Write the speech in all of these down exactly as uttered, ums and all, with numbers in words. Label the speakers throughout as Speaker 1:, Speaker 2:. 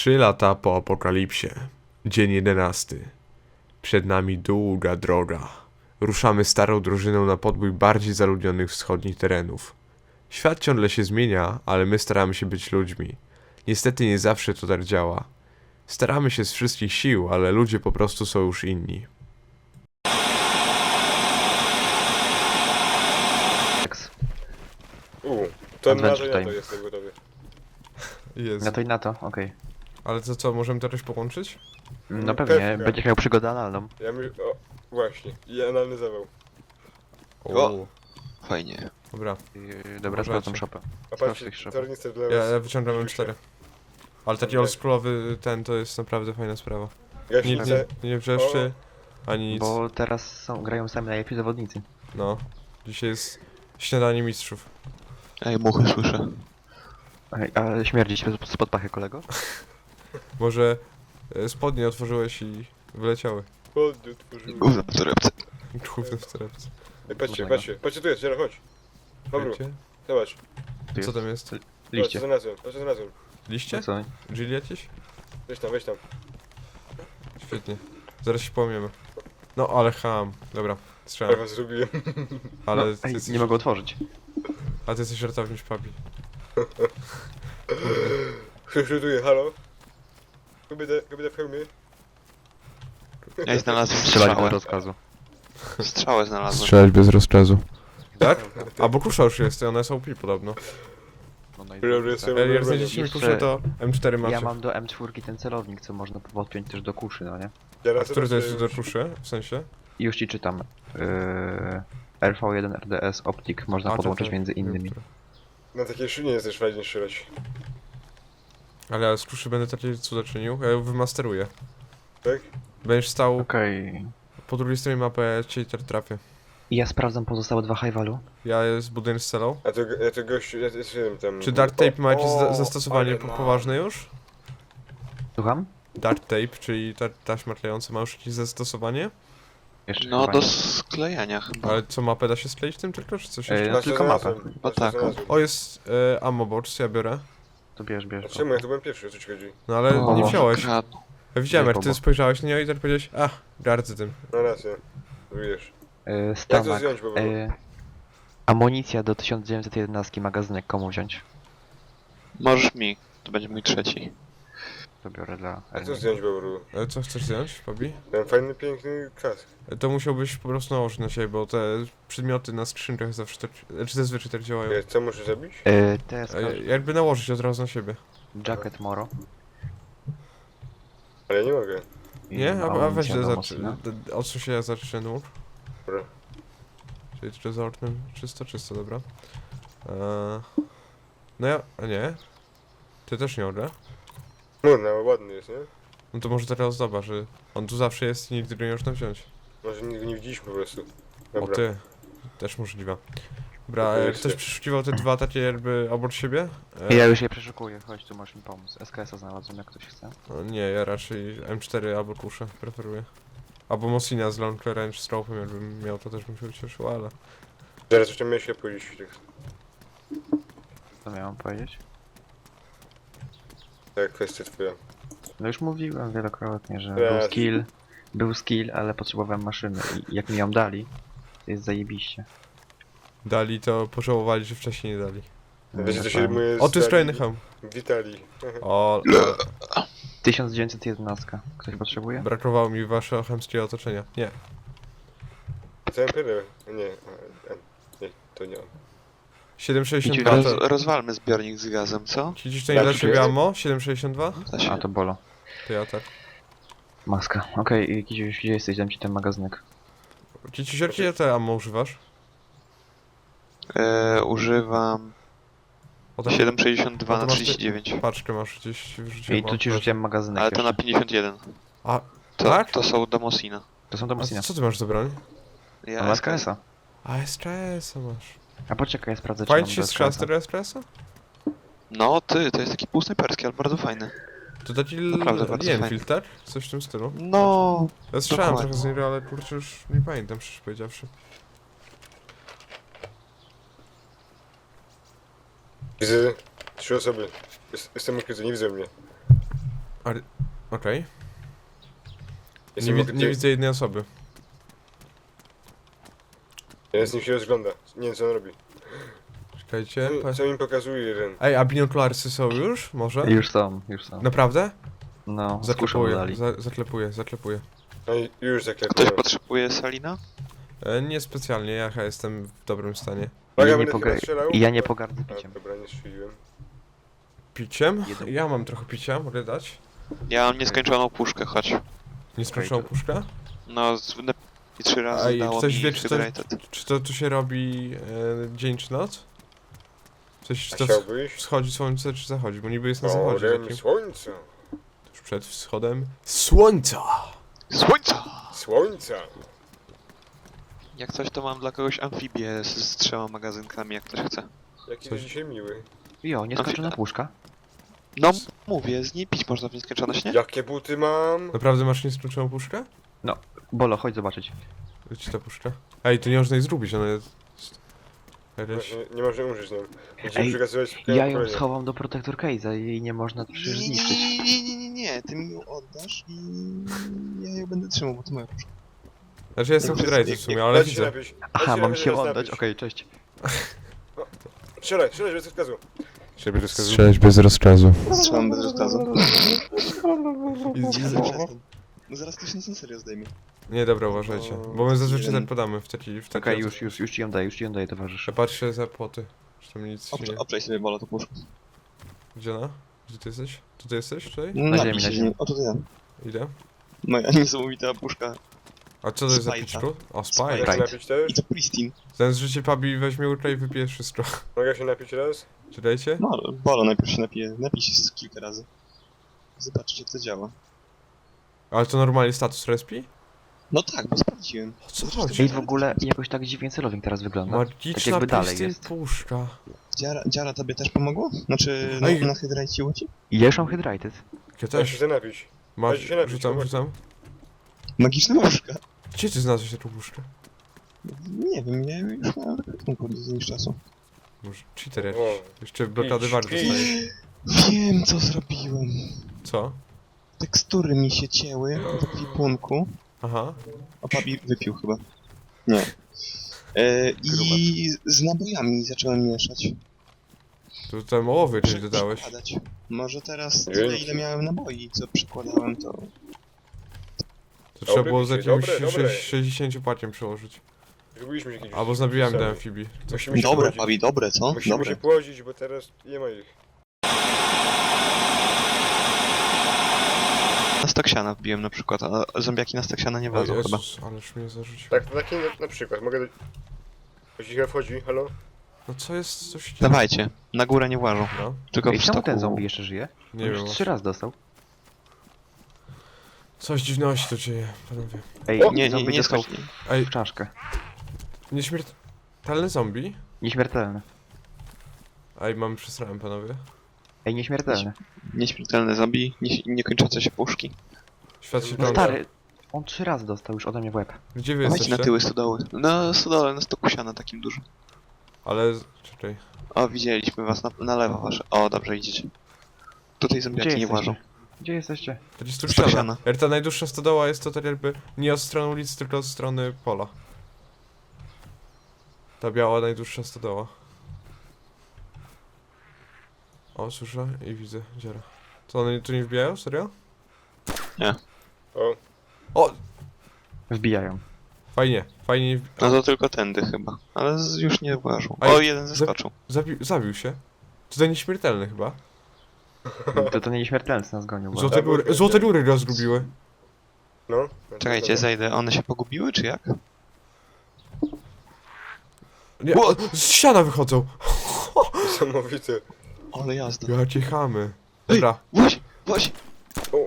Speaker 1: Trzy lata po apokalipsie. Dzień jedenasty. Przed nami długa droga. Ruszamy starą drużyną na podbój bardziej zaludnionych wschodnich terenów. Świat ciągle się zmienia, ale my staramy się być ludźmi. Niestety nie zawsze to tak działa. Staramy się z wszystkich sił, ale ludzie po prostu są już inni.
Speaker 2: Uuu, to na
Speaker 3: Adventure
Speaker 2: to, na to
Speaker 3: time.
Speaker 2: jestem gotowy.
Speaker 1: Jest.
Speaker 3: Na to i na to, okej.
Speaker 1: Ale to co, możemy to jakoś połączyć?
Speaker 3: No
Speaker 2: Pewnie.
Speaker 3: pewnie, będziesz miał przygodę analną.
Speaker 2: Ja mi... o, właśnie. I analny zawał.
Speaker 4: O! Fajnie.
Speaker 1: Dobra,
Speaker 3: Yy, dobra,
Speaker 1: Uważajcie.
Speaker 3: sprawdzam shopę.
Speaker 2: A
Speaker 3: Sprawdź
Speaker 2: patrzcie,
Speaker 3: tych szopów.
Speaker 2: tornister dla
Speaker 1: ja,
Speaker 2: was.
Speaker 1: ja wyciągam M cztery. Ale taki
Speaker 2: Okej.
Speaker 1: oldschoolowy ten to jest naprawdę fajna sprawa. Nie,
Speaker 2: Gaśnicę.
Speaker 1: nie, nie wrzeszczy, ani nic.
Speaker 3: Bo teraz są, grają sami najlepsi zawodnicy.
Speaker 1: No, dzisiaj jest śniadanie mistrzów.
Speaker 4: Ej, muchy słyszę.
Speaker 3: Ej, ale śmierdzi się spod pachy, kolego?
Speaker 1: Może e, spodnie otworzyłeś i wyleciały.
Speaker 2: Chłodnie otworzyły.
Speaker 4: Gówno w torebce.
Speaker 1: Główne w torebce.
Speaker 2: Ej, patrzcie,
Speaker 3: Dobra.
Speaker 2: patrzcie. Patrzcie, tu jest, Jera, chodź. Dobra,
Speaker 1: Wiecie?
Speaker 2: zobacz.
Speaker 3: Tu
Speaker 1: Co
Speaker 3: jest
Speaker 1: tam jest?
Speaker 2: Zobacz,
Speaker 3: liście.
Speaker 2: co znalazłem, patrz, co znalazłem.
Speaker 1: Liście?
Speaker 3: No co?
Speaker 1: Jill jakieś?
Speaker 2: Weź tam, weź tam.
Speaker 1: Świetnie. Zaraz się połamiemy. No ale ham. Dobra,
Speaker 2: Ja
Speaker 1: strzelam.
Speaker 2: was zrobiłem.
Speaker 1: Ale
Speaker 3: No,
Speaker 1: ty
Speaker 3: ej,
Speaker 1: jesteś,
Speaker 3: nie mogę otworzyć.
Speaker 1: a ty jesteś żartowniś papi.
Speaker 2: Ktoś rzutuje, halo? Kobieta, kobieta w hełmie.
Speaker 4: Ej, znalazłem
Speaker 3: Strzelanie bez
Speaker 4: strzałę.
Speaker 3: rozkazu.
Speaker 4: Strzałę znalazłem.
Speaker 1: Strzelać bez rozkazu. Tak? A bo kusza już jest, one są pi podobno.
Speaker 3: No, no i
Speaker 2: Dobra,
Speaker 3: dobra,
Speaker 2: jestem-
Speaker 3: tak.
Speaker 1: Jak jak znajdziecie mi
Speaker 3: Jeszcze-
Speaker 1: kuszę, to M cztery macie.
Speaker 3: Ja mam do M cztery ten celownik, co można podpiąć też do kuszy, no nie?
Speaker 2: Jara,
Speaker 1: A
Speaker 2: co
Speaker 1: który to jest
Speaker 2: sobie
Speaker 1: do
Speaker 2: już-
Speaker 1: kuszy? W sensie?
Speaker 3: I już ci czytam. Yy, R V jeden R D S Optic można
Speaker 1: A, to
Speaker 3: podłączyć
Speaker 1: tak.
Speaker 3: między innymi.
Speaker 2: Na takiej szynie jest też fajnie strzelać.
Speaker 1: Ale ja z kuszy będę takie cuda czynił, ja ją wymasteruję.
Speaker 2: Tak?
Speaker 1: Będziesz stał
Speaker 3: Okej.
Speaker 1: po drugiej stronie mapy, a ja cię ter trafię.
Speaker 3: I ja sprawdzam pozostałe dwa high value.
Speaker 1: Ja zbuduję z celą.
Speaker 2: A to, ja to gościu, ja jestem tam...
Speaker 1: Czy Dart Tape ma jakieś za
Speaker 2: O,
Speaker 1: zastosowanie
Speaker 2: ale
Speaker 1: po
Speaker 2: ma.
Speaker 1: poważne już?
Speaker 3: Słucham?
Speaker 1: Dart Tape, czyli ta taśma klejąca, ma już jakieś zastosowanie?
Speaker 3: Jeszcze
Speaker 4: No
Speaker 3: chyba
Speaker 4: do
Speaker 3: nie.
Speaker 4: sklejania chyba.
Speaker 1: Ale co, mapę da się skleić tym tylko, czy coś
Speaker 3: Ej,
Speaker 1: jeszcze?
Speaker 3: no
Speaker 2: Właśnie
Speaker 3: tylko mapę.
Speaker 2: znalazłem,
Speaker 4: No
Speaker 2: właśnie
Speaker 4: tak.
Speaker 2: znalazłem.
Speaker 1: O, jest e, ammo box, ja biorę.
Speaker 3: To bierz, bierz.
Speaker 2: A czemu ja tu byłem pierwszy, o co ci chodzi?
Speaker 1: No ale
Speaker 3: O,
Speaker 1: nie
Speaker 3: może
Speaker 1: wziąłeś.
Speaker 4: Kradną.
Speaker 1: Ja widziałem,
Speaker 3: Nie,
Speaker 1: jak ty
Speaker 3: Bobo.
Speaker 1: spojrzałeś na nią i tak powiedziałeś, a, gardzę tym.
Speaker 2: No racja. Wiesz.
Speaker 3: Yy,
Speaker 2: Jak to
Speaker 3: Stanak.
Speaker 2: zdjąć, bo...
Speaker 3: Yy, amunicja do tysiąc dziewięćset jedenaście, magazynek komu wziąć?
Speaker 4: Możesz mi. To będzie mój trzeci.
Speaker 3: To biorę dla
Speaker 2: A co
Speaker 3: Ernie.
Speaker 2: zdjąć, Bobru?
Speaker 1: E, co chcesz zdjąć, Fabi?
Speaker 2: Ten fajny, piękny kask.
Speaker 1: E, To musiałbyś po prostu nałożyć na siebie, bo te przedmioty na skrzynkach zawsze tak, czy zazwyczaj tak działają.
Speaker 2: Ej, co muszę zrobić?
Speaker 3: Yy, T S K,
Speaker 1: E, jakby nałożyć od razu na siebie.
Speaker 3: Jacket Moro.
Speaker 2: Ale ja nie mogę.
Speaker 3: i
Speaker 1: Nie? A, a weź
Speaker 3: amunicja do
Speaker 1: za,
Speaker 3: Mossina.
Speaker 1: odsuń się, ja zacznę nur.
Speaker 2: Dobra.
Speaker 1: Czyli czy za oknem czysto, czysto, dobra. E, no ja, a nie? Ty też nie orle?
Speaker 2: No, no, ładny jest, nie?
Speaker 1: No to może teraz ozdoba, że on tu zawsze jest i nigdy go nie można wziąć.
Speaker 2: Może nigdy nie widzieliśmy po prostu.
Speaker 1: O
Speaker 2: Dobra.
Speaker 1: ty, też możliwe. Dobra,
Speaker 2: Dziękuję
Speaker 1: e, ktoś
Speaker 2: się.
Speaker 1: przeszukiwał te dwa takie jakby obok siebie? E,
Speaker 3: Ja już je przeszukuję, chodź tu masz mi pomóc. S K S-a znalazłem, jak ktoś chce.
Speaker 1: no, nie, ja raczej M cztery albo kuszę preferuję. Albo Mossina z Long Range Strope'em, jakbym miał, to też bym się ucieszył, ale...
Speaker 2: Zaraz jeszcze miałem się pójść.
Speaker 3: Co miałem powiedzieć?
Speaker 2: Tak, kwestia twoja.
Speaker 3: No już mówiłem wielokrotnie, że
Speaker 2: Raz.
Speaker 3: był skill, był skill, ale potrzebowałem maszyny i jak mi ją dali, to jest zajebiście.
Speaker 1: Dali to, pożałowali, że wcześniej nie dali.
Speaker 2: Wiecie, co
Speaker 3: Ja
Speaker 2: się
Speaker 3: powiem.
Speaker 2: rymuje z
Speaker 1: O, tu jest
Speaker 2: Dali-
Speaker 1: kolejny hełm.
Speaker 2: Witali.
Speaker 1: O,
Speaker 3: tysiąc dziewięćset jedenaście. Ktoś potrzebuje?
Speaker 1: brakowało mi waszego chemskiego otoczenia. Nie.
Speaker 2: Całym perę. Nie, a, a, nie, to nie on.
Speaker 1: siedem sześćdziesiąt
Speaker 3: Idź
Speaker 1: dwa
Speaker 4: Roz,
Speaker 1: to...
Speaker 4: rozwalmy zbiornik z gazem, co?
Speaker 1: Ci dziś to nie dla
Speaker 2: Tak,
Speaker 1: ciebie
Speaker 2: jest.
Speaker 1: ammo? siedem sześćdziesiąt dwa?
Speaker 4: Da się.
Speaker 3: A to bolo.
Speaker 1: To ja tak.
Speaker 3: Maska. Okej, okay, gdzie, gdzie jesteś? Dam ci ten magazynek.
Speaker 1: Ci jakie te ammo używasz?
Speaker 4: E, używam
Speaker 1: O, tam
Speaker 4: siedem sześćdziesiąt dwa
Speaker 1: a to
Speaker 4: na
Speaker 1: masz
Speaker 4: trzydzieści dziewięć.
Speaker 1: paczkę masz gdzieś wrzuciłem.
Speaker 3: I tu ci
Speaker 1: o,
Speaker 3: rzuciłem magazynek.
Speaker 4: Ale to na
Speaker 3: jeszcze.
Speaker 4: pięćdziesiąt jeden.
Speaker 1: A,
Speaker 4: To,
Speaker 1: tak?
Speaker 4: to są do Mossina.
Speaker 3: To są do
Speaker 1: a
Speaker 3: Mossina.
Speaker 1: co ty masz za broń?
Speaker 4: Ja
Speaker 3: Mam S K S-a.
Speaker 1: A, S K S-a masz.
Speaker 3: A poczekaj, ja sprawdzę, czy
Speaker 1: Fajnie
Speaker 3: mam
Speaker 1: ci się
Speaker 3: do
Speaker 1: strzela z
Speaker 3: S K S-a.
Speaker 1: tego S K S-a?
Speaker 4: No ty, to jest taki półsnajperski, ale bardzo fajny.
Speaker 1: To taki
Speaker 4: Naprawdę bardzo
Speaker 1: Lienfield, tak? Coś w tym stylu.
Speaker 4: No,
Speaker 1: Ja strzelałem
Speaker 4: dokładnie.
Speaker 1: trochę z niego, ale kurczę już nie pamiętam, szczerze powiedziawszy.
Speaker 2: Widzę trzy osoby. Jest, jestem ukryty, nie widzą mnie.
Speaker 1: Ale... Okej. Nie,
Speaker 2: Jestem
Speaker 1: wi-
Speaker 2: obok
Speaker 1: nie
Speaker 2: ciebie.
Speaker 1: widzę jednej osoby.
Speaker 2: Ja z nim się rozgląda. Nie wiem co on robi.
Speaker 1: Czekajcie.
Speaker 2: Co,
Speaker 1: Pa...
Speaker 2: co mi pokazuje jeden?
Speaker 1: Ej, a binokularsy są już? Może?
Speaker 3: Już są, już są.
Speaker 1: Naprawdę?
Speaker 3: No, z kuszą
Speaker 1: Zaklepuję,
Speaker 3: dali.
Speaker 1: za, zaklepuję, zaklepuję.
Speaker 2: No i już
Speaker 4: Ktoś
Speaker 2: zaklepuję.
Speaker 4: potrzebuje Salina?
Speaker 1: E, nie specjalnie, ja chyba jestem w dobrym stanie.
Speaker 2: Uwaga,
Speaker 3: Ja nie,
Speaker 2: będę
Speaker 3: poga-
Speaker 2: chyba strzelał.
Speaker 3: ja nie pogardzę
Speaker 2: A,
Speaker 3: piciem.
Speaker 2: dobra, nie strzeliłem.
Speaker 1: Piciem?
Speaker 3: Jeden.
Speaker 1: Ja mam trochę picia, mogę dać?
Speaker 4: Ja mam nieskończoną puszkę, chodź.
Speaker 1: Nieskończoną
Speaker 3: to-
Speaker 1: puszkę?
Speaker 4: No, z, na, i trzy razy
Speaker 1: Ej,
Speaker 4: dało
Speaker 1: ktoś
Speaker 4: mi
Speaker 1: wie, czy to,
Speaker 4: Hydrated.
Speaker 1: czy to tu się robi e, dzień czy noc? Coś, czy
Speaker 2: A
Speaker 1: to
Speaker 2: chciałbyś?
Speaker 1: wschodzi słońce, czy zachodzi? Bo niby jest na zachodzie.
Speaker 2: Oreń
Speaker 1: Takim,
Speaker 2: słońca.
Speaker 1: tuż przed wschodem słońca!
Speaker 4: Słońca!
Speaker 2: Słońca.
Speaker 4: Jak coś, to mam dla kogoś amfibię z, z trzema magazynkami, jak ktoś chce.
Speaker 2: Jaki
Speaker 1: Coś-
Speaker 2: to dzisiaj miły.
Speaker 3: Jo, nieskończona puszka.
Speaker 4: No, mówię, z niej pić można w nieskończoność, nie?
Speaker 2: Jakie buty mam?
Speaker 1: Naprawdę masz nieskończoną puszkę?
Speaker 3: Bolo, chodź zobaczyć.
Speaker 1: Gdzie ta puszka? Ej, to nie można jej zrobić, ona jest... Jakaś...
Speaker 2: Właśnie nie można umrzeć nią. Będziemy
Speaker 3: Ej,
Speaker 2: przekazywać
Speaker 3: Ja ją schowam do Protector Case'a, jej nie można przecież
Speaker 4: Nie, nie,
Speaker 3: zniszczyć.
Speaker 4: nie, nie, nie, nie, nie, ty mi ją oddasz i ja ją będę trzymał, bo to moja puszka.
Speaker 1: Znaczy ja jestem hydrated w sumie, ale
Speaker 2: Dajcie się
Speaker 1: widzę.
Speaker 2: napić.
Speaker 3: Aha,
Speaker 2: Dajcie
Speaker 3: mam
Speaker 2: się
Speaker 3: się
Speaker 2: raz
Speaker 3: oddać,
Speaker 2: napić.
Speaker 3: okej, cześć.
Speaker 2: Strzelaj, strzelaj, bez rozkazu. Strzelaj bez rozkazu.
Speaker 1: Strzelać bez rozkazu.
Speaker 4: Strzelam bez rozkazu.
Speaker 1: I- i-
Speaker 4: No zaraz ktoś nas na serio zdejmie.
Speaker 1: Nie, dobra, uważajcie. Bo my zazwyczaj
Speaker 4: Jeden.
Speaker 1: tak podamy w taki... W taki
Speaker 3: Okej, już, już, już ci ją daję, już ci ją daję, towarzysze.
Speaker 1: Ja patrzę za płoty. Czy tam nic się nie...
Speaker 4: Oprze, oprzej sobie bolo to puszkę.
Speaker 1: Gdzie ona? Gdzie ty jesteś? Tu ty jesteś, tutaj?
Speaker 3: Na ziemi, na
Speaker 4: się z
Speaker 3: ziemi.
Speaker 4: nim. O, to ja.
Speaker 1: Idę.
Speaker 4: Moja niesamowita puszka.
Speaker 1: A co to jest za
Speaker 4: Spajca.
Speaker 1: piczku? O,
Speaker 4: Spajca.
Speaker 1: spaj.
Speaker 2: Mogę się
Speaker 3: Right.
Speaker 2: napić też?
Speaker 4: I to pristine.
Speaker 1: Zamiast życie Pabi weźmie ultra i wypije wszystko.
Speaker 2: Mogę się napić raz?
Speaker 1: Czytajcie?
Speaker 4: No, ale bolo najpierw się napije. Napij się z kilka razy. Zobaczcie jak to działa.
Speaker 1: Ale to normalnie status respi?
Speaker 4: No tak, bo sprawdziłem.
Speaker 1: O co
Speaker 4: Ej,
Speaker 1: chodzi?
Speaker 3: Ej, w ogóle jakoś tak dziwnie celownik teraz wygląda. Tak
Speaker 1: Magiczna
Speaker 3: jakby dalej
Speaker 1: Pristine
Speaker 3: jest.
Speaker 1: puszka.
Speaker 4: Dziara, dziara tobie też pomogło? Znaczy,
Speaker 1: Ej.
Speaker 4: na, na hydracie ci?
Speaker 3: I ja już mam Hydrated.
Speaker 1: Ja
Speaker 2: Daj się
Speaker 1: też.
Speaker 2: chcę napić.
Speaker 1: Masz,
Speaker 2: Dajcie się napić,
Speaker 1: rzucam,
Speaker 2: chłopaki.
Speaker 1: rzucam.
Speaker 4: Magiczna puszka.
Speaker 1: Gdzie ty znalazłeś taką puszkę?
Speaker 4: Nie wiem, ja już miałem taką z jakiegoś czasu.
Speaker 1: Może cheater jakiś.
Speaker 2: O.
Speaker 1: Jeszcze blokady
Speaker 2: Idź,
Speaker 1: war
Speaker 2: idź.
Speaker 1: dostajesz.
Speaker 4: Wiem co zrobiłem.
Speaker 1: Co?
Speaker 4: Tekstury mi się cięły w ekwipunku.
Speaker 1: Aha.
Speaker 4: A Pabi wypił chyba. Nie. E, I z nabojami zacząłem mieszać.
Speaker 1: Tu tam ołowy coś
Speaker 4: Prze-
Speaker 1: dodałeś.
Speaker 4: przekładać. Może teraz
Speaker 2: Dzięki.
Speaker 4: tyle ile miałem naboi, co przekładałem to...
Speaker 1: To trzeba było z
Speaker 2: picie,
Speaker 1: jakimś
Speaker 2: dobre, dobre.
Speaker 1: sześć- sześćdziesięciu paciem przełożyć.
Speaker 2: Zrobiliśmy jakieś...
Speaker 1: Albo z nabijami do
Speaker 2: same.
Speaker 1: amfibii. Coś
Speaker 2: Musimy się
Speaker 4: Dobre
Speaker 2: płodzić.
Speaker 4: Pabi, dobre co?
Speaker 2: Musimy
Speaker 4: Dobre.
Speaker 2: się płodzić, bo teraz nie ma ich.
Speaker 4: Na Staksiana wbiłem na przykład, a zombiaki na Staksiana nie
Speaker 1: O
Speaker 4: wlazą chyba.
Speaker 1: Jezus, ależ mnie zarzucił.
Speaker 2: Tak, taki na, na przykład. Mogę... do- Ktoś chyba wchodzi, halo?
Speaker 1: No co jest, coś...
Speaker 4: Dawajcie, na górę nie włażą,
Speaker 1: No,
Speaker 4: tylko
Speaker 3: Ej,
Speaker 4: w
Speaker 3: czemu
Speaker 4: stoku.
Speaker 3: ten zombie jeszcze żyje?
Speaker 1: nie
Speaker 3: już
Speaker 1: wiem.
Speaker 3: trzy razy dostał.
Speaker 1: Coś dziwnego się tu dzieje, panowie.
Speaker 3: Ej,
Speaker 2: O,
Speaker 4: Nie, nie,
Speaker 3: zombie
Speaker 4: nie
Speaker 3: dostał
Speaker 4: skocz.
Speaker 1: Ej,
Speaker 3: w czaszkę.
Speaker 1: nieśmiertelny zombie?
Speaker 3: Nieśmiertelny.
Speaker 1: Ej, mamy przesrałem, panowie.
Speaker 3: Ej, nieśmiertelny.
Speaker 4: Nieśmiertelne zombie, nie, niekończące się puszki.
Speaker 1: Świat się
Speaker 3: No
Speaker 1: kończy.
Speaker 3: stary, on trzy razy dostał już ode mnie w łeb.
Speaker 1: Gdzie wy
Speaker 4: Dawajcie
Speaker 1: jesteście?
Speaker 4: na tyły stodoły. Na stodole, na stoku siana takim dużym.
Speaker 1: Ale... czekaj.
Speaker 4: O, widzieliśmy was na, na lewo wasze. O, dobrze idziecie. Tutaj zombiaki
Speaker 3: Gdzie
Speaker 4: nie włażą.
Speaker 3: jesteście? Gdzie jesteście?
Speaker 1: To jest tu
Speaker 4: Stok
Speaker 1: ściana.
Speaker 4: siana.
Speaker 1: Er, ta najdłuższa stodoła jest to tak jakby nie od strony ulicy, tylko od strony pola. Ta biała najdłuższa stodoła. O, słyszę i widzę dziara. Co, one tu nie wbijają? Serio?
Speaker 2: O,
Speaker 1: O!
Speaker 3: Wbijają.
Speaker 1: Fajnie, fajnie nie wbi-
Speaker 4: No to tylko tędy chyba. Ale z, już nie włażą.
Speaker 1: A
Speaker 4: O,
Speaker 1: i-
Speaker 4: jeden zeskoczył.
Speaker 1: Zabił, zabił się. Tutaj nieśmiertelny chyba.
Speaker 3: To to nie nieśmiertelny nas gonił. bo-
Speaker 1: Złote góry, złote góry go zgubiły.
Speaker 2: no.
Speaker 4: Czekajcie, zejdę. One się pogubiły, czy jak?
Speaker 1: Nie, o, z ściana wychodzą!
Speaker 2: Niesamowite.
Speaker 4: Ale jazda.
Speaker 1: Ja cię chamy. Dobra,
Speaker 4: Właśnie, właśnie.
Speaker 2: O,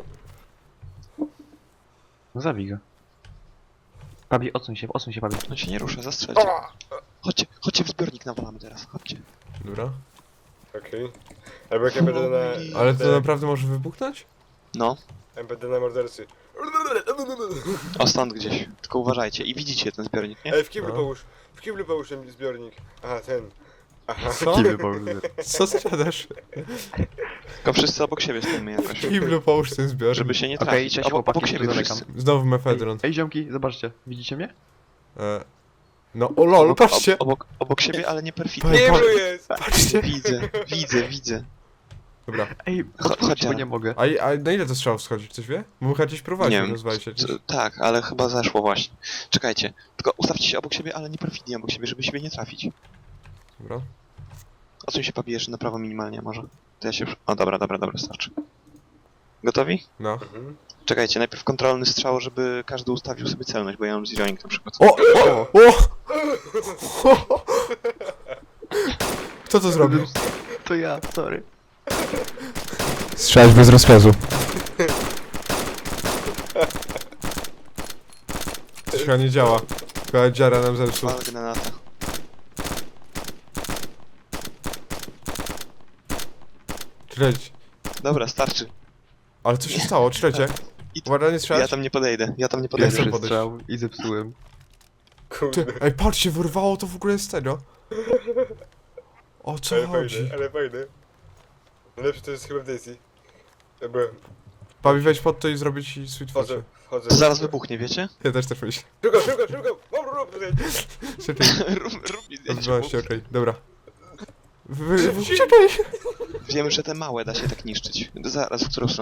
Speaker 3: No zabij go. Pabi, odsuń się, odsuń się, Pabi.
Speaker 4: On się nie rusza, zastrzelcie.
Speaker 2: a!
Speaker 4: Chodźcie, chodźcie w zbiornik nawalamy teraz, chodźcie.
Speaker 1: dobra.
Speaker 2: Okej. Albo jak M P D na...
Speaker 1: Ale to naprawdę może wybuchnąć?
Speaker 4: No,
Speaker 2: M P D na mordercy.
Speaker 4: o stąd gdzieś. Tylko uważajcie i widzicie ten zbiornik, nie?
Speaker 2: Ej, w kiblu
Speaker 1: No.
Speaker 2: połóż. W kiblu połóż ten zbiornik. Aha, ten. Aha.
Speaker 1: Co? Co ty gadasz?
Speaker 4: Tylko wszyscy obok siebie stoimy jakoś.
Speaker 1: Kiblu, połóż ten zbiornik.
Speaker 4: Żeby się nie
Speaker 3: Okej,
Speaker 4: trafić.
Speaker 3: cześć,
Speaker 4: obok,
Speaker 3: chłopaki,
Speaker 4: obok siebie
Speaker 3: tu
Speaker 4: wszyscy.
Speaker 3: zamykam.
Speaker 1: Znowu
Speaker 3: Ej,
Speaker 1: mefedron.
Speaker 3: ej ziomki, zobaczcie, widzicie mnie?
Speaker 1: E, no, o lol,
Speaker 4: Obok,
Speaker 1: patrzcie!
Speaker 4: ob, obok, obok siebie, ale nie perfidnie.
Speaker 1: Ej,
Speaker 2: Nie,
Speaker 1: pa-
Speaker 2: bro jest!
Speaker 1: Patrzcie!
Speaker 4: Widzę, widzę, widzę.
Speaker 1: Dobra.
Speaker 3: Ej,
Speaker 4: chodź,
Speaker 3: chodź, bo
Speaker 4: Jara.
Speaker 3: nie mogę.
Speaker 1: A, i- a na ile to strzał schodzi? Ktoś wie? Bo my chyba gdzieś prowadzi,
Speaker 4: Nie wiem.
Speaker 1: rozwali się gdzieś.
Speaker 4: C- Tak, ale chyba zeszło właśnie. Czekajcie. Tylko ustawcie się obok siebie, ale nie perfidnie obok siebie, żeby siebie nie trafić.
Speaker 1: Dobra.
Speaker 4: Odsuń się pobijesz na prawo minimalnie może. To ja się... O dobra, dobra, dobra, starczy. Gotowi?
Speaker 1: No.
Speaker 2: Mhm.
Speaker 4: Czekajcie, najpierw kontrolny strzał, żeby każdy ustawił sobie celność, bo ja mam zeroing na przykład.
Speaker 1: O! O! O! Kto to zrobił?
Speaker 3: To ja, sorry.
Speaker 1: Strzelać bez rozkazu. To chyba nie działa. Chyba dziara nam zepsuł.
Speaker 4: Pal granata.
Speaker 1: Czekajcie.
Speaker 4: Dobra, starczy.
Speaker 1: Ale co się stało? Czekajcie.
Speaker 4: I-
Speaker 1: Uwaga, nie strzelać.
Speaker 4: Ja tam nie podejdę, ja tam nie
Speaker 1: Ja
Speaker 4: podejdę.
Speaker 1: chcę
Speaker 3: Pierwszy
Speaker 1: podejść.
Speaker 3: strzał i zepsułem.
Speaker 2: Kurde.
Speaker 1: Ty, ej, patrzcie, wyrwało to w ogóle z tego. O co
Speaker 2: Ale
Speaker 1: chodzi?
Speaker 2: fajne, ale fajne. Najlepsze to jest chyba w Daisy. Dobra,
Speaker 1: Bawi, weź pod to i zrobię ci sweet
Speaker 2: wchodzę,
Speaker 1: focie.
Speaker 2: wchodzę.
Speaker 4: To zaraz wybuchnie, wiecie?
Speaker 1: Ja też tak myślę.
Speaker 2: Szybko, szybko, szybko! Mam rób tutaj!
Speaker 1: Czekaj,
Speaker 4: rób, rób mi zdjęcie.
Speaker 1: odbyła okej, dobra. Wy, wy, wy, czekaj!
Speaker 4: Wiem, że te małe da się tak niszczyć. Zaraz, w którą stronę?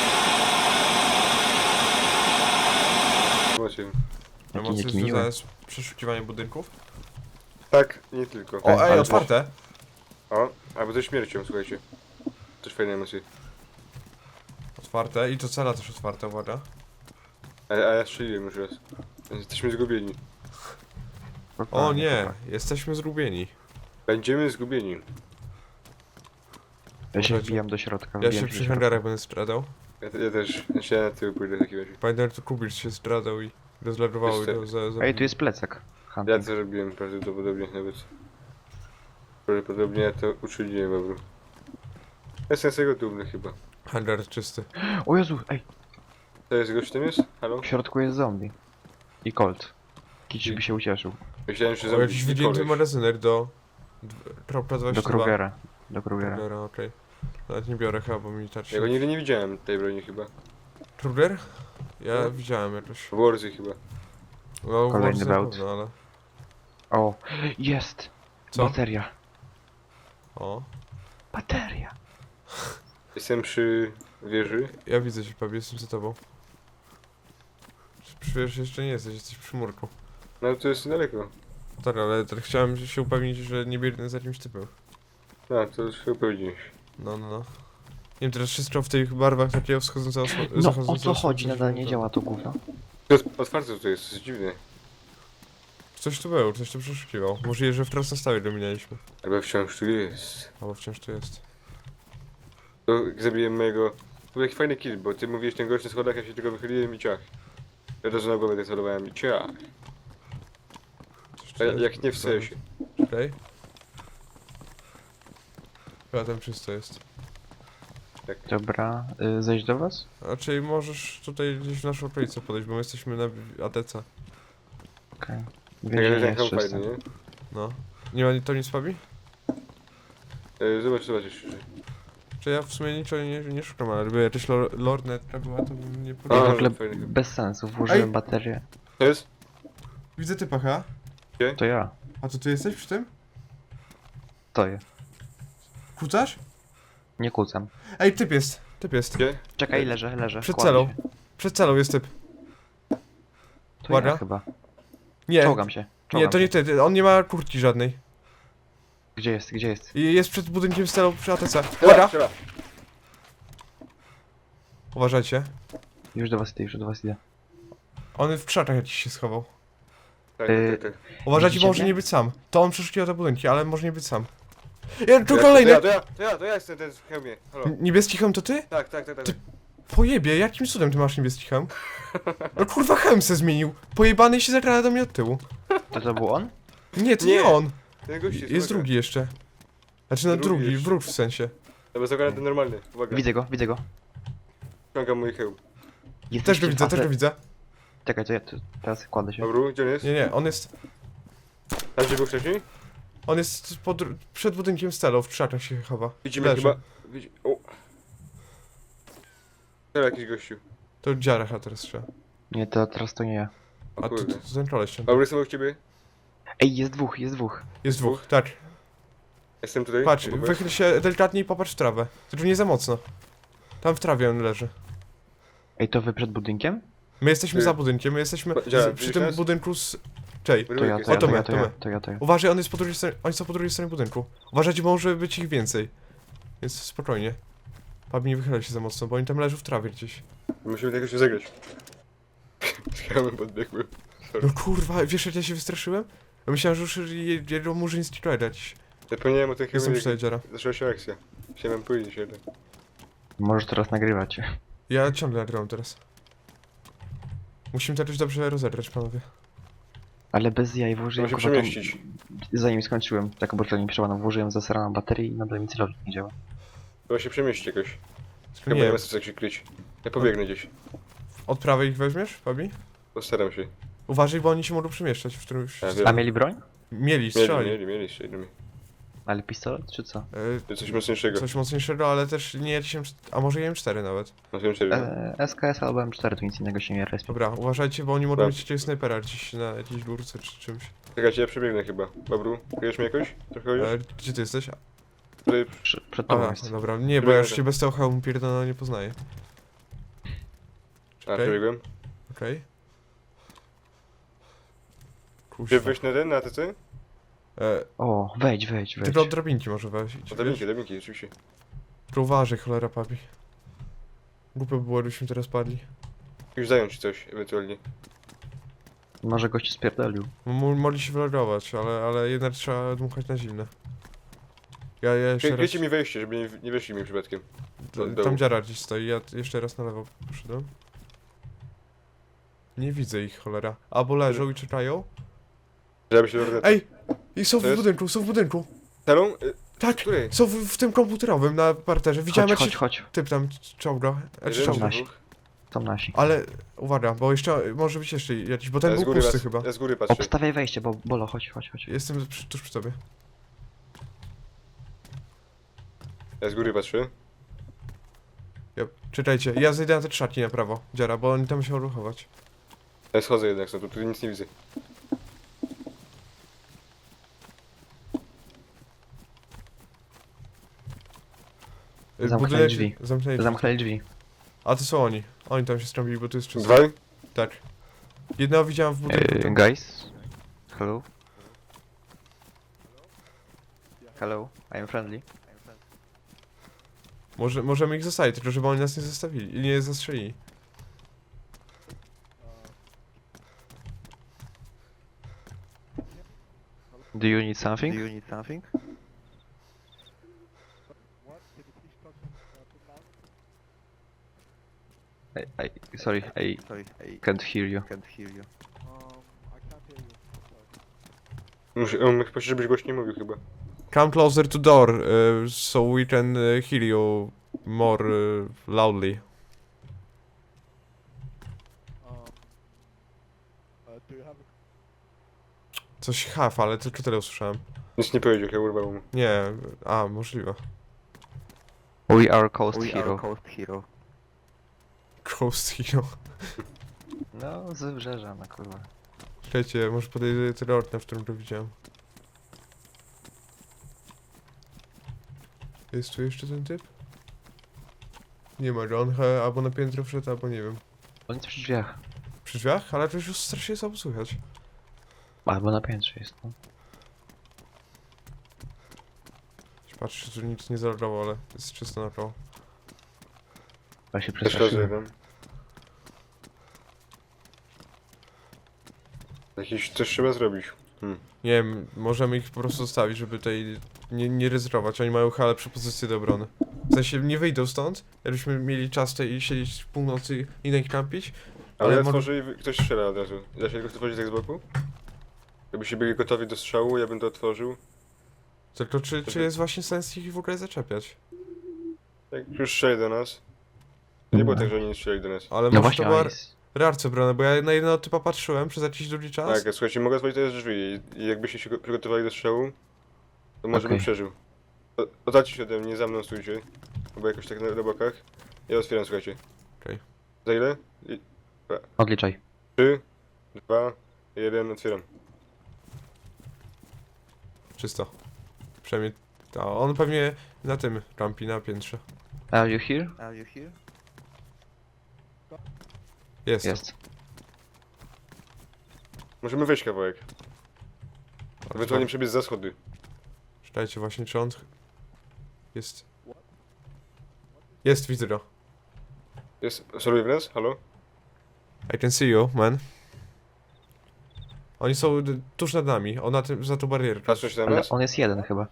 Speaker 2: Macie.
Speaker 1: Emocje
Speaker 3: jaki miły.
Speaker 1: związane z przeszukiwaniem budynków?
Speaker 2: Tak, nie tylko.
Speaker 1: O, ej,
Speaker 3: ale
Speaker 1: otwarte!
Speaker 2: O, albo ze śmiercią, słuchajcie. Też fajne emocje.
Speaker 1: Otwarte i to cela też otwarte, uwaga.
Speaker 2: A, a ja strzeliłem już raz. Więc jesteśmy zgubieni.
Speaker 1: O nie, jesteśmy zgubieni.
Speaker 2: Będziemy zgubieni.
Speaker 3: Ja się
Speaker 1: Możecie.
Speaker 3: wbijam do środka.
Speaker 1: Ja
Speaker 3: wbijam
Speaker 1: się
Speaker 3: do
Speaker 1: przy
Speaker 3: środka.
Speaker 1: hangarach będę stradał.
Speaker 2: Ja, ja też. Ja się na tył pójdę w takim razie.
Speaker 1: Pamiętam, że to Kubicz się stradał i rozlerowały
Speaker 2: Jeszcze-
Speaker 1: go za... za...
Speaker 3: Ej, tu jest plecak.
Speaker 2: Ja
Speaker 3: Hunting.
Speaker 2: to robiłem prawdopodobnie nawet. Prawdopodobnie ja to uczyniłem, dobra. Jestem z tego dumny chyba.
Speaker 1: Hangar czysty.
Speaker 3: O Jezu, ej,
Speaker 2: To jest gość tam jest? Halo?
Speaker 3: w środku jest zombie. I Colt. Kici by się ucieszył.
Speaker 2: Myślałem, że
Speaker 1: O,
Speaker 2: zabić
Speaker 1: jakiś wygięty magazyner do... Kropla
Speaker 3: Do
Speaker 1: dwadzieścia dwa.
Speaker 3: Krugera. Do Krugera.
Speaker 1: Krugera, okej. Nawet nie biorę chyba, bo mi
Speaker 2: Ja
Speaker 1: tarczy.
Speaker 2: go nigdy nie widziałem, tej broni chyba.
Speaker 1: Kruger? Ja
Speaker 2: No.
Speaker 1: widziałem jakoś.
Speaker 2: W Warzy chyba.
Speaker 1: No,
Speaker 3: Kolejny
Speaker 1: może na
Speaker 3: bełt.
Speaker 1: pewno, ale...
Speaker 3: O, jest!
Speaker 1: Co?
Speaker 3: Bateria.
Speaker 1: O.
Speaker 3: Bateria.
Speaker 2: Jestem przy wieży.
Speaker 1: Ja widzę cię, Pabi, jestem za tobą. Przy wieży jeszcze nie jesteś, jesteś przy murku.
Speaker 2: No to jest niedaleko.
Speaker 1: Tak, ale tak chciałem się upewnić, że nie biegnę za jakimś typem.
Speaker 2: No, to już chyba powiedziałeś.
Speaker 1: No, no, no. Nie wiem, teraz wszystko w tych barwach takiego wschodzącego osło-
Speaker 3: No o
Speaker 1: zachodzącego
Speaker 3: co chodzi?
Speaker 1: słońca
Speaker 3: Nadal
Speaker 1: się
Speaker 3: nie
Speaker 1: to-
Speaker 3: działa to gówno.
Speaker 2: To jest otwarte to jest, to jest dziwne.
Speaker 1: Coś tu było, coś tu przeszukiwał. Możliwe, że w trasnostawie go minęliśmy.
Speaker 2: Albo wciąż tu jest.
Speaker 1: Albo wciąż tu jest.
Speaker 2: To jak zabiłem mojego... To był taki fajny kill, bo ty mówiłeś ten gość na schodach, ja się tylko wychyliłem i ciach. Ja też na głowę decelowałem i ciach.
Speaker 1: Coś
Speaker 2: A
Speaker 1: tu jest?
Speaker 2: jak nie w sensie.
Speaker 1: Okej. Chyba tam czysto jest.
Speaker 3: Dobra, y, zejść do was?
Speaker 1: A czyli możesz tutaj gdzieś w naszą okolicę podejść, bo my jesteśmy na A T C.
Speaker 3: Okej.
Speaker 2: Tak,
Speaker 3: Więzienie
Speaker 2: jak
Speaker 3: jest
Speaker 2: ten
Speaker 3: czyste.
Speaker 2: fajny, nie?
Speaker 1: No. Nie ma ni- to nic, Fabi?
Speaker 2: E, Zobacz, zobacz jeszcze.
Speaker 1: Czy ja w sumie niczego nie, nie szukam, ale gdyby jakaś lor- lornetka była, to bym nie
Speaker 3: W
Speaker 2: A,
Speaker 1: powiedział.
Speaker 3: ogóle
Speaker 2: fajny.
Speaker 3: bez sensu, włożyłem
Speaker 1: Ej!
Speaker 3: baterię.
Speaker 2: To jest?
Speaker 1: Widzę typa, ha?
Speaker 3: To ja.
Speaker 1: A to ty jesteś przy tym?
Speaker 3: Stoję.
Speaker 1: Kucasz?
Speaker 3: Nie kłócam.
Speaker 1: Ej, typ jest, typ jest.
Speaker 2: Gdzie?
Speaker 3: Czekaj, leżę, leżę.
Speaker 1: Przed
Speaker 3: kładę
Speaker 1: celą.
Speaker 3: się.
Speaker 1: Przed celą jest typ.
Speaker 3: To
Speaker 1: Uwaga.
Speaker 3: ja chyba.
Speaker 1: Nie,
Speaker 3: Czołgam się.
Speaker 1: nie,
Speaker 3: Czołgam
Speaker 1: to nie
Speaker 3: się.
Speaker 1: ty, ty, on nie ma kurtki żadnej.
Speaker 3: Gdzie jest, gdzie jest?
Speaker 1: I jest przed budynkiem z celą przy A T C.
Speaker 2: Strzela,
Speaker 1: Uwaga!
Speaker 2: strzela.
Speaker 1: Uważajcie.
Speaker 3: Już do was idę, już do was idę.
Speaker 1: On w krzakach jakiś się schował.
Speaker 2: Tak,
Speaker 3: Y,
Speaker 2: tak, tak.
Speaker 1: Uważajcie,
Speaker 3: Widzicie
Speaker 1: bo może
Speaker 3: mnie?
Speaker 1: nie być sam. To on przeszukiwał te budynki, ale może nie być sam. Je, tu
Speaker 2: Ja-
Speaker 1: kolejny!
Speaker 2: To ja, to ja, to ja, to ja jestem ten w hełmie. Halo.
Speaker 1: N- Niebieski hełm to ty?
Speaker 2: Tak, tak, tak, tak.
Speaker 1: Ty- Pojebie, jakim cudem ty masz niebieski hełm? No kurwa, hełm se zmienił. Pojebany i się zagrała do mnie od tyłu.
Speaker 3: To to był on?
Speaker 1: Nie, to nie,
Speaker 2: Nie.
Speaker 1: on.
Speaker 2: Ten gość jest,
Speaker 1: Jest
Speaker 2: uwaga.
Speaker 1: drugi jeszcze. Znaczy no
Speaker 2: Drugi
Speaker 1: drugi,
Speaker 2: jeszcze.
Speaker 1: wróg w sensie.
Speaker 2: Dobra, zagadam ten normalny. Uwaga.
Speaker 3: Widzę go, widzę go.
Speaker 2: Ściągam mój hełm.
Speaker 1: Też
Speaker 3: Jesteście
Speaker 1: go widzę,
Speaker 3: w
Speaker 1: też
Speaker 3: A T
Speaker 1: go widzę.
Speaker 3: Czekaj, to ja to, teraz kładę się.
Speaker 2: Dobra, gdzie on jest?
Speaker 1: Nie, nie, on jest...
Speaker 2: Tam gdzie był wcześniej?
Speaker 1: On jest pod, przed budynkiem z celą, w krzakach się chowa.
Speaker 2: Widzimy
Speaker 1: Leży.
Speaker 2: chyba... Widzi... O, Teraz jakiś gościu.
Speaker 1: To dziaracha teraz trzeba.
Speaker 3: Nie, to teraz to nie ja.
Speaker 2: O
Speaker 1: A to,
Speaker 2: kurde.
Speaker 1: to, to ten koleś tam.
Speaker 2: Dobra, jestem obok ciebie.
Speaker 3: Ej, jest dwóch, jest dwóch.
Speaker 1: Jest dwóch, tak.
Speaker 2: Jestem tutaj.
Speaker 1: Patrz,
Speaker 2: obok was.
Speaker 1: wychyl się delikatnie i popatrz w trawę. Tylko nie za mocno. Tam w trawie on leży.
Speaker 3: Ej, to wy przed budynkiem?
Speaker 1: My jesteśmy
Speaker 2: Ty.
Speaker 1: za budynkiem, my jesteśmy
Speaker 2: Pa- działa,
Speaker 1: z, przy
Speaker 2: widzisz
Speaker 1: tym
Speaker 2: nas?
Speaker 1: budynku z... Czej,
Speaker 3: To ja, to
Speaker 2: O,
Speaker 3: ja,
Speaker 1: to
Speaker 3: to
Speaker 1: my,
Speaker 3: ja,
Speaker 1: to
Speaker 3: to ja,
Speaker 1: my.
Speaker 3: to ja, to ja.
Speaker 1: uważaj, on jest po drugiej stronie, oni są po drugiej stronie budynku. Uważajcie, bo może być ich więcej. Więc spokojnie. Pabi, nie wychylaj się za mocno, bo oni tam leżą w trawie gdzieś.
Speaker 2: Musimy tego się zagrać. Skałem podbiegły.
Speaker 1: No kurwa, wiesz jak ja się wystraszyłem? Ja myślałem, że już je- jego murzyn z jakiś.
Speaker 2: Zapomniałem o tym
Speaker 1: Jestem
Speaker 2: chyba,
Speaker 1: przy tej dziara.
Speaker 2: zaczęła się akcja. Chciałem powiedzieć jeden.
Speaker 3: Możesz teraz nagrywać.
Speaker 1: Ja ciągle nagrywam teraz. Musimy to jakoś dobrze rozegrać, panowie.
Speaker 3: Ale bez jaj włożyłem
Speaker 2: Trzeba się
Speaker 3: chyba tą-
Speaker 2: przemieścić.
Speaker 3: Zanim skończyłem taką botlenie przełaną, włożyłem zasraną baterię i nadal mi celownik nie działa.
Speaker 2: Trzeba się przemieścić jakoś.
Speaker 1: Tylko
Speaker 2: Chyba
Speaker 1: nie
Speaker 2: nie
Speaker 1: wiem,
Speaker 2: ma sensu jak się kryć. Ja pobiegnę gdzieś.
Speaker 1: od prawej ich weźmiesz, Pabi?
Speaker 2: Postaram się.
Speaker 1: Uważaj, bo oni się mogą przemieszczać w którymś...
Speaker 2: Ja
Speaker 3: A
Speaker 2: wiem.
Speaker 3: mieli broń?
Speaker 1: Mieli,
Speaker 2: Mieli,
Speaker 1: strzelali.
Speaker 2: mieli, mieli, strzelili.
Speaker 3: Ale pistolet czy co?
Speaker 1: E,
Speaker 2: Coś mocniejszego.
Speaker 1: Coś mocniejszego, ale też nie M cztery, a może i M cztery nawet.
Speaker 2: No wiem serio.
Speaker 3: E, S K S albo M cztery, to nic innego się nie respi.
Speaker 1: Dobra, uważajcie, bo oni mogą
Speaker 2: Dobra.
Speaker 1: mieć jakiegoś snajpera gdzieś na jakiejś górce czy czymś.
Speaker 2: Czekajcie, ja przebiegnę chyba. Babru, kryjesz mnie jakoś? Trochę już?
Speaker 1: E, gdzie ty jesteś?
Speaker 2: Tutaj
Speaker 3: Prze- Przed tobą
Speaker 1: Aha,
Speaker 3: jest.
Speaker 1: dobra, nie, bo ja już cię bez tego hełmu pierdolona nie poznaję.
Speaker 2: A,
Speaker 1: Okej.
Speaker 2: przebiegłem.
Speaker 1: Okej.
Speaker 2: Gdzie
Speaker 1: Kuźwa.
Speaker 2: wejść na ten, na A T C?
Speaker 1: E,
Speaker 3: O, wejdź, wejdź, wejdź.
Speaker 1: tylko od drabinki może wejść.
Speaker 2: O, drabinki, drabinki, oczywiście.
Speaker 1: Tylko uważaj, cholera papi. Głupio by było, gdybyśmy teraz padli.
Speaker 2: Już zająć coś, ewentualnie.
Speaker 3: Może gość spierdolił.
Speaker 1: M mogli się wylogować, ale, ale jednak trzeba dmuchać na zimne. Ja, ja jeszcze raz...
Speaker 2: Kryjcie mi wejście, żeby nie, nie weszli mi przypadkiem. od
Speaker 1: D-
Speaker 2: dołu.
Speaker 1: Tam dziara gdzieś stoi, ja jeszcze raz na lewo poszedłem. Nie widzę ich, cholera. Albo leżą i czekają.
Speaker 2: Żeby się lornetą.
Speaker 1: Ej! I są
Speaker 2: Co
Speaker 1: w
Speaker 2: jest?
Speaker 1: budynku, są w budynku.
Speaker 2: Salon? Y,
Speaker 1: Tak!
Speaker 2: Której?
Speaker 1: Są w, w tym komputerowym na parterze. Widziałem
Speaker 3: Chodź,
Speaker 1: jak
Speaker 3: chodź,
Speaker 1: się
Speaker 3: chodź.
Speaker 1: typ tam czołga. E, czy
Speaker 2: Jeden,
Speaker 1: czołga.
Speaker 3: nasi.
Speaker 2: dwóch?
Speaker 3: Są nasi.
Speaker 1: Ale uwaga, bo jeszcze może być jeszcze jakiś, bo ten
Speaker 2: Ja z
Speaker 1: był
Speaker 2: góry
Speaker 1: pusty
Speaker 2: was-
Speaker 1: chyba.
Speaker 2: Ja z góry patrzę.
Speaker 3: Obstawiaj wejście, bo Bolo, chodź, chodź, chodź.
Speaker 1: Jestem przy, tuż przy tobie.
Speaker 2: Ja z góry patrzę.
Speaker 1: Ja, czekajcie, ja zejdę na te trzaki na prawo, dziara, bo oni tam się ruchować.
Speaker 2: Ja schodzę jednak stąd, tu tutaj nic nie widzę.
Speaker 1: Y,
Speaker 3: Zamknęli
Speaker 1: budynek-
Speaker 3: drzwi.
Speaker 1: Zamknęli drzwi.
Speaker 3: Zamknęli drzwi.
Speaker 1: A to są oni. Oni tam się strąbili, bo tu jest czysto.
Speaker 2: Dwaj?
Speaker 1: Tak. Jednego widziałem w budynku.
Speaker 3: Uh,
Speaker 1: tam-
Speaker 3: guys? Hello? Hello, I am friendly.
Speaker 1: Może, możemy ich zostawić, tylko żeby oni nas nie zostawili, nie zastrzelili.
Speaker 3: Do you need something?
Speaker 5: Do you need something?
Speaker 3: I, I, sorry, I
Speaker 5: Sorry, I
Speaker 3: can't hear you.
Speaker 5: can't hear you.
Speaker 2: Muszę, on chyba, żebyś głośniej mówił chyba.
Speaker 1: Come closer to door, uh, so we can uh, hear you more uh, loudly. Coś haf, ale tylko tyle usłyszałem.
Speaker 2: Nic nie powiedział, ja urwał mu.
Speaker 1: Nie, a, możliwe.
Speaker 3: We are coast
Speaker 5: We
Speaker 3: hero.
Speaker 5: are coast hero.
Speaker 1: Ghost Hero.
Speaker 3: No, z wybrzeża, na kurwa.
Speaker 1: Czekajcie, może podejdę tyle okna, w którym to widziałem. Jest tu jeszcze ten typ? Nie ma go, on he, albo na piętro wszedł, albo nie wiem.
Speaker 3: On jest przy drzwiach.
Speaker 1: Przy drzwiach? Ale to już strasznie słabo słychać.
Speaker 3: Albo na piętrze jest, no.
Speaker 1: Patrzę, że nic nie zalogowało, ale jest czysto na koło.
Speaker 3: Ja się
Speaker 2: Też chodzę
Speaker 3: przestraszyłem.
Speaker 2: jeden. Jakiś coś trzeba zrobić. Hmm.
Speaker 1: Nie wiem, możemy ich po prostu zostawić, żeby tutaj nie, nie ryzykować. Oni mają hale propozycje do obrony. W sensie nie wyjdą stąd, jakbyśmy mieli czas tutaj siedzieć w północy i na nich kampić.
Speaker 2: Ale,
Speaker 1: Ale
Speaker 2: ja
Speaker 1: może-
Speaker 2: tworzę i wy- ktoś strzela od razu. Da się tylko otworzyć tak z boku? Jakbyście byli gotowi do strzału, ja bym to otworzył.
Speaker 1: Tylko czy, czy jest właśnie sens ich w ogóle zaczepiać?
Speaker 2: Jak już strzeli do nas. To nie było tak, że oni nie strzelali do nas.
Speaker 1: Ale
Speaker 3: No
Speaker 1: może
Speaker 3: właśnie,
Speaker 1: to była
Speaker 3: a jest...
Speaker 1: rarce brane, bo ja na jednego typa patrzyłem przez jakiś długi czas.
Speaker 2: Tak, a słuchajcie, mogę otworzyć teraz drzwi i- i jakbyście się go- przygotowali do strzału, to może bym
Speaker 3: Okej.
Speaker 2: przeżył. O- Oddalcie się ode mnie, za mną stójcie. Albo jakoś tak na, na bokach. Ja otwieram, słuchajcie.
Speaker 1: Okej.
Speaker 2: Za ile? I-
Speaker 3: Odliczaj.
Speaker 2: Trzy, dwa, jeden, otwieram.
Speaker 1: Czysto. Przynajmniej... A on pewnie na tym rampi, na piętrze.
Speaker 3: Are you here?
Speaker 5: Are you here?
Speaker 1: Jest.
Speaker 3: Jest.
Speaker 2: Możemy wejść kawałek.
Speaker 1: A,
Speaker 2: Ewentualnie
Speaker 1: tak.
Speaker 2: przebiec za schody.
Speaker 1: Czytajcie właśnie, czy on... Jest... Jest, widzę go.
Speaker 2: Jest, soluje w nas? Halo?
Speaker 1: I can see you, man. Oni są d- tuż nad nami, on na tym, za tą barierkę.
Speaker 2: Patrzą się na
Speaker 3: Ale
Speaker 2: nas?
Speaker 3: on jest jeden chyba.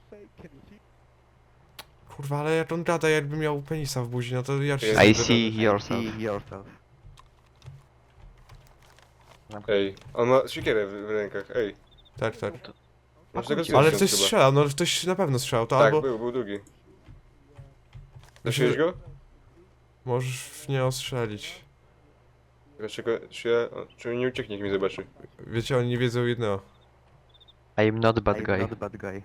Speaker 1: Kurwa, ale jak on gada, jakby miał penisa w buzi, no to ja się...
Speaker 2: Jest.
Speaker 3: I
Speaker 2: Dobra,
Speaker 3: see
Speaker 2: dobra.
Speaker 3: yourself.
Speaker 5: See yourself.
Speaker 2: Ej, on ma siekierę w, w rękach, ej.
Speaker 1: Tak, tak.
Speaker 2: Masz tego
Speaker 3: Pakujcie.
Speaker 1: Ale
Speaker 2: zdjąć
Speaker 1: ktoś
Speaker 2: chyba.
Speaker 1: strzelał, no ktoś na pewno strzelał, to
Speaker 2: Tak,
Speaker 1: albo...
Speaker 2: był, był drugi.
Speaker 1: Myślę,
Speaker 2: Zaświeć go?
Speaker 1: Możesz w nie ostrzelić.
Speaker 2: Dlaczego, czy ja, o, czy nie ucieknie, jak mnie zobaczy?
Speaker 1: Wiecie, oni nie wiedzą jednego.
Speaker 3: I'm not bad
Speaker 5: I'm
Speaker 3: guy.
Speaker 5: not bad guy.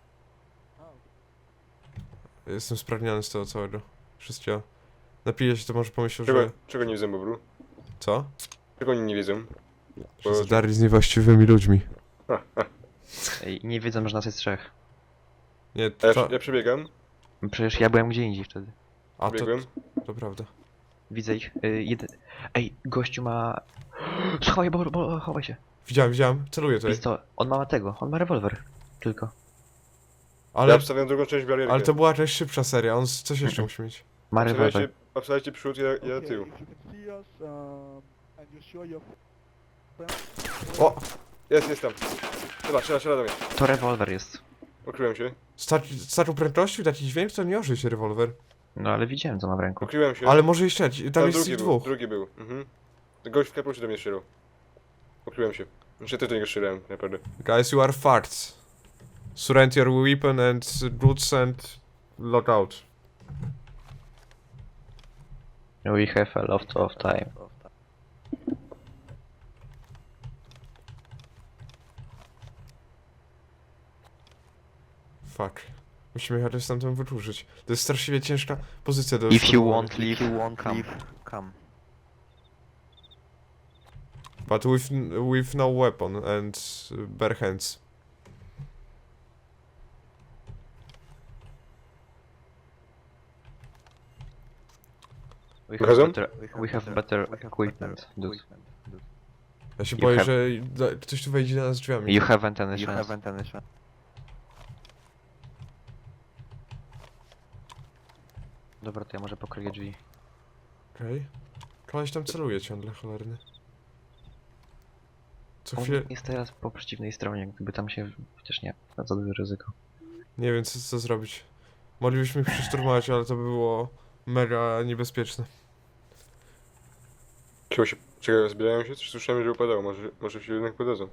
Speaker 1: Jestem spragniony z tego całego. Wszystkiego. Napiję się, to może pomyślał,
Speaker 2: Czego,
Speaker 1: że...
Speaker 2: czego nie wiedzą, Bobru?
Speaker 1: Co?
Speaker 2: Czego oni nie wiedzą?
Speaker 1: Że zadarli z niewłaściwymi ludźmi.
Speaker 3: Ej, nie wiedzą, że nas jest trzech.
Speaker 1: Nie,
Speaker 2: A ja,
Speaker 1: to...
Speaker 2: ja przebiegam,
Speaker 3: Przecież ja byłem gdzie indziej wtedy.
Speaker 1: A, to,
Speaker 2: przebiegłem.
Speaker 1: to prawda.
Speaker 3: Widzę ich. Y, jeden... Ej, gościu ma... Schowaj, bo, bo chowaj się.
Speaker 1: Widziałem, widziałem, celuję tutaj.
Speaker 3: Jest to... On ma tego, on ma rewolwer. Tylko.
Speaker 2: Ja
Speaker 1: Ale,
Speaker 2: obstawiam drugą część barierki.
Speaker 1: ale to była jakaś szybsza seria, on z- coś jeszcze musi mieć.
Speaker 3: Ma rewolwer.
Speaker 2: Obstawiajcie, obstawiajcie przód, ja, ja tył.
Speaker 6: If you can see us, um, and you show your
Speaker 1: O!
Speaker 2: Jest, jest tam. Dobra, strzela, strzela do mnie.
Speaker 3: To rewolwer jest.
Speaker 2: Ukryłem się,
Speaker 1: Sta starą prędkością taki dźwięk, to nie ożyj się rewolwer.
Speaker 3: No ale widziałem, co ma w ręku.
Speaker 2: ukryłem się.
Speaker 1: Ale może jeszcze, tam
Speaker 2: Tam
Speaker 1: jest
Speaker 2: drugi
Speaker 1: ich
Speaker 2: był,
Speaker 1: dwóch.
Speaker 2: drugi był. Mhm. Gość w kapeluszu do mnie strzelał. Ukryłem się. Znaczy też do niego strzelałem, naprawdę.
Speaker 1: Guys, you are farts. Surrender your weapon and goods and log out.
Speaker 3: We have a lot of time.
Speaker 1: Fuck. Musimy jechać stamtąd wydłużyć. To jest straszliwie ciężka pozycja do
Speaker 3: If you
Speaker 1: szturmowania.
Speaker 3: want leave,
Speaker 5: If you won't
Speaker 3: come.
Speaker 5: leave, come.
Speaker 1: But with, with no weapon and bare hands.
Speaker 3: We have
Speaker 2: Wychodzą?
Speaker 3: better, we have better equipment, dude.
Speaker 1: Ja się
Speaker 3: You
Speaker 1: boję,
Speaker 3: have-
Speaker 1: że da- ktoś tu wejdzie na nas drzwiami.
Speaker 3: You haven't any
Speaker 5: You
Speaker 3: chance.
Speaker 5: haven't any chance.
Speaker 3: Dobra, to ja może pokryję drzwi.
Speaker 1: Okej. Okay. Koleś tam celuje ciągle, cholerny. Co
Speaker 3: On
Speaker 1: chwilę...
Speaker 3: jest teraz po przeciwnej stronie, gdyby tam się... Chociaż nie, na za duże ryzyko.
Speaker 1: Nie wiem, co, co zrobić. Moglibyśmy ich przeszturmować, ale to by było mega niebezpieczne.
Speaker 2: Chyba się... Czekaj, zbierają się? Coś słyszałem, że upadało. Może, może się jednak podadzą.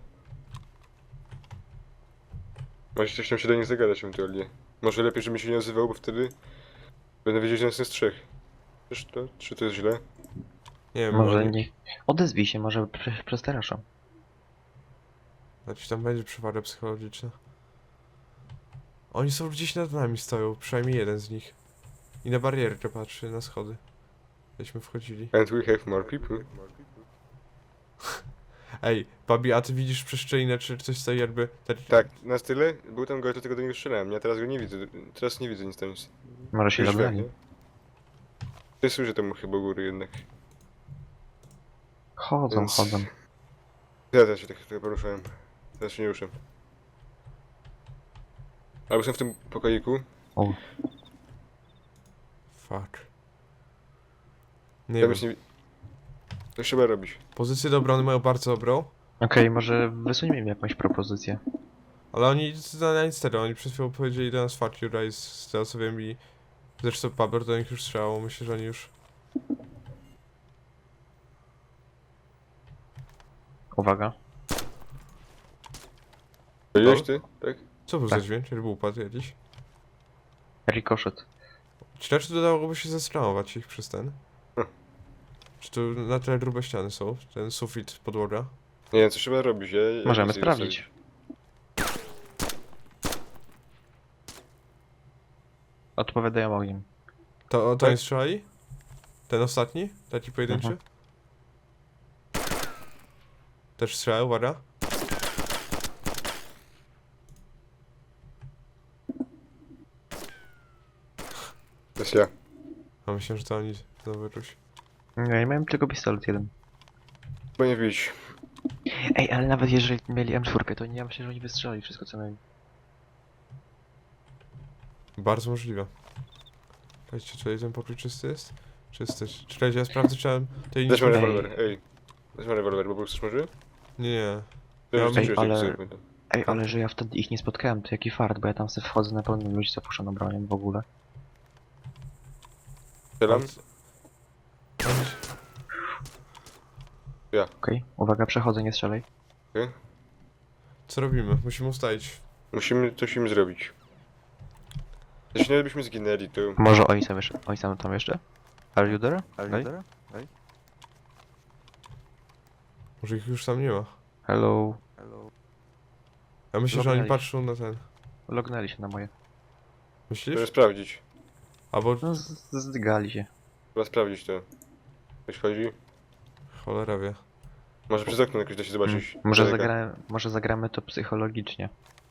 Speaker 2: Może ktoś tam się do nich zagadać ewentualnie. Może lepiej, żebym się nie nazywał, bo wtedy... Będę wiedzieć, że nas jest trzech. Czyż to? Czy to jest źle?
Speaker 1: Nie wiem,
Speaker 3: Może
Speaker 1: oni-
Speaker 3: nie... Odezwij się, może prze, przestraszą.
Speaker 1: Znaczy tam będzie przewaga psychologiczna. Oni są gdzieś nad nami stoją, przynajmniej jeden z nich. I na barierkę patrzy, na schody. Gdzieśmy wchodzili.
Speaker 2: And we have more people.
Speaker 1: Ej, Babi, a ty widzisz przeszczelinę, czy coś stoi jakby... Tak,
Speaker 2: Tak, na tyle. Był tam gość, do tego do niego strzelałem. Ja teraz go nie widzę. Teraz nie widzę nic tam. Jest
Speaker 3: Może się
Speaker 2: już
Speaker 3: zabrali.
Speaker 2: nie? Ty słyszę temu chyba u góry jednak.
Speaker 3: Chodzą,
Speaker 2: Więc-
Speaker 3: chodzą.
Speaker 2: Ja też się tak trochę poruszałem. Teraz się nie ruszę. Albo są w tym pokoiku.
Speaker 3: O,
Speaker 1: Fuck. Nie
Speaker 2: Ja
Speaker 1: wiem.
Speaker 2: już nie... To trzeba robić.
Speaker 1: Pozycję do obrony mają bardzo dobrą,
Speaker 3: okej, może wysuńmy im jakąś propozycję.
Speaker 1: ale oni na na nic tego, oni przed chwilą powiedzieli do nas fuck you guys, z tego co wiem i... Zresztą Paber do nich już strzelało, myślę, że oni już...
Speaker 3: Uwaga.
Speaker 2: Powiedziałeś ty? Tak?
Speaker 1: Co był
Speaker 3: Tak.
Speaker 1: za dźwięk? Czy był upad jakiś?
Speaker 3: Ricochet.
Speaker 1: Czy raczej dodałoby się zestromować ich przez ten?
Speaker 2: Hm.
Speaker 1: Czy tu na tyle grube ściany są? Ten sufit, podłoga?
Speaker 2: Nie wiem, co trzeba robić. Ja, ja
Speaker 3: Możemy
Speaker 2: nie chcę
Speaker 3: sprawdzić.
Speaker 2: zostawić.
Speaker 3: Odpowiadają ogniem.
Speaker 1: To, to
Speaker 2: Tak.
Speaker 1: oni strzelali? Ten ostatni? Taki pojedynczy?
Speaker 3: Mhm.
Speaker 1: Też strzał, uwaga.
Speaker 2: To jest ja.
Speaker 1: A myślę, że to oni znowu czuć.
Speaker 3: Nie, ja miałem tylko pistolet jeden.
Speaker 2: Bo nie wbić.
Speaker 3: Ej, ale nawet jeżeli mieli M cztery, to nie ja myślę, że oni wystrzelali wszystko co mieli.
Speaker 1: Bardzo możliwe. Czekajcie, czy ten pokój czysty jest? Czysty. Czekajcie, ja sprawdzę, czy mam tej
Speaker 2: Weźmy
Speaker 1: nic...
Speaker 3: Ej.
Speaker 2: rewolwer, ej. Weźmy rewolwer, bo chcesz może?
Speaker 1: Nie, nie.
Speaker 2: To
Speaker 1: Ja
Speaker 2: już
Speaker 1: mam-
Speaker 2: coś
Speaker 3: ale-
Speaker 2: sobie pamiętam.
Speaker 3: Ej, ale że ja wtedy ich nie spotkałem, to jaki fart, bo ja tam sobie wchodzę na pełnym ludzi zapuszczoną bronią w ogóle.
Speaker 2: Strzelam?
Speaker 3: Okej, uwaga, przechodzę, nie strzelaj.
Speaker 1: Co robimy? Musimy ustalić.
Speaker 2: Musimy coś im zrobić. Jeśli nie byśmy zginęli, to...
Speaker 3: Może oni są jeszcze, oni są tam jeszcze? Are you there? Are you there?
Speaker 1: Może ich już tam nie ma.
Speaker 3: Hello.
Speaker 1: Ja myślę, że oni
Speaker 3: Lognęli.
Speaker 1: patrzą na ten.
Speaker 3: Lognęli się na moje.
Speaker 1: Myślisz?
Speaker 2: Trzeba sprawdzić.
Speaker 1: Albo...
Speaker 3: No, z- z- zdygali się.
Speaker 2: Trzeba sprawdzić to. Ktoś chodzi?
Speaker 1: Cholera wie.
Speaker 2: Może przez okno jakoś da się zobaczyć.
Speaker 3: Mm, Może,
Speaker 2: z daleka.
Speaker 3: zagra może zagramy to psychologicznie.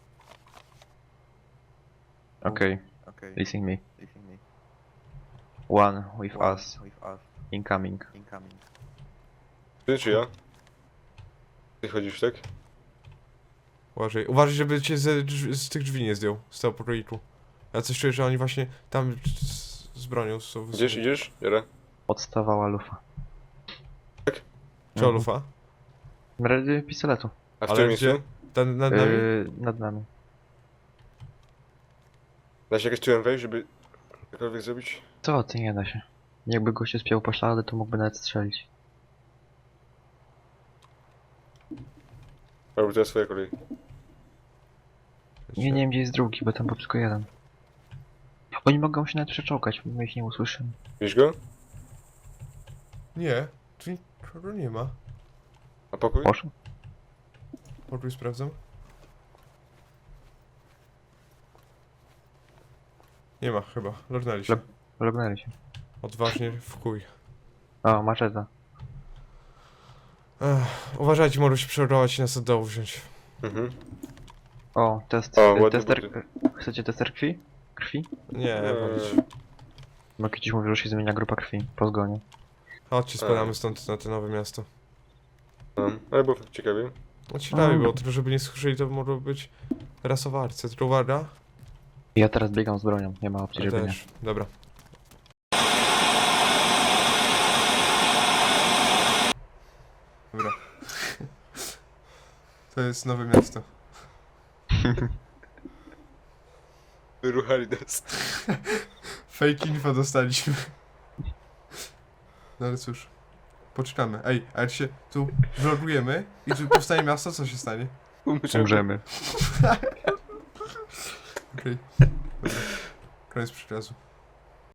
Speaker 3: Okej,
Speaker 5: Okay.
Speaker 3: listen me.
Speaker 5: Listen me.
Speaker 3: One with
Speaker 5: One
Speaker 3: us,
Speaker 5: with us.
Speaker 3: incoming.
Speaker 5: Incoming.
Speaker 2: Ty czy ja? Ty chodzisz, tak?
Speaker 1: Uważaj. Uważaj, żeby cię z, drz- z tych drzwi nie zdjął. Z tego pokoiku. Ja coś czuję, że oni właśnie tam z, z bronią są.
Speaker 2: Idziesz, idziesz? Jara?
Speaker 3: Odstawała lufa.
Speaker 1: Czy Olufa?
Speaker 3: Redy pistoletu.
Speaker 2: A w
Speaker 1: Ale
Speaker 2: którym miejscu?
Speaker 1: gdzie? Ten nad nami?
Speaker 3: Yy, nad nami.
Speaker 2: Da się jakoś tyłem wejść, żeby cokolwiek zrobić?
Speaker 3: Co ty, nie da się. Jakby gościu spiął poślady, to mógłby nawet strzelić.
Speaker 2: Albo teraz swoja kolej.
Speaker 3: Nie, nie wiem gdzie jest drugi, bo tam był tylko jeden. Oni mogą się nawet przeczołgać, my ich nie usłyszymy.
Speaker 2: Widzisz go?
Speaker 1: Nie. Tu nikogo nie ma.
Speaker 2: A pokój?
Speaker 3: Poszło?
Speaker 1: Pokój sprawdzam. Nie ma chyba. Lognęli się.
Speaker 3: Log- Lognęli się.
Speaker 1: Odważnie w chuj.
Speaker 3: O, maczeta.
Speaker 1: Ech, uważajcie, może się przerować i nas od dołu wziąć.
Speaker 2: Mhm.
Speaker 3: O, test.
Speaker 2: O,
Speaker 3: y,
Speaker 2: ładne
Speaker 3: tester.
Speaker 2: buty.
Speaker 3: Chcecie tester krwi? Krwi?
Speaker 1: Nie,
Speaker 2: Eee.
Speaker 1: walić.
Speaker 3: Bo kiedyś mówił, że się zmienia grupa krwi po zgonie.
Speaker 1: Chodźcie, spadamy stąd na to nowe miasto.
Speaker 2: No, ale było ciekawie.
Speaker 1: No ciekawie
Speaker 3: A.
Speaker 1: było, tylko żeby nie słyszeli, to mogło być rasowa akcja. Tylko uwaga.
Speaker 3: Ja teraz biegam z bronią, nie ma opcji,
Speaker 1: Ja
Speaker 3: żeby nie.
Speaker 1: też. Dobra. Dobra. To jest nowe miasto.
Speaker 2: Wyruchali nas.
Speaker 1: Fake info dostaliśmy. No ale cóż. Poczekamy. Ej, a jak się tu vlogujemy i tu powstanie miasto, co się stanie?
Speaker 3: Umrzemy.
Speaker 1: Okej. Dobra. Koniec przekazu.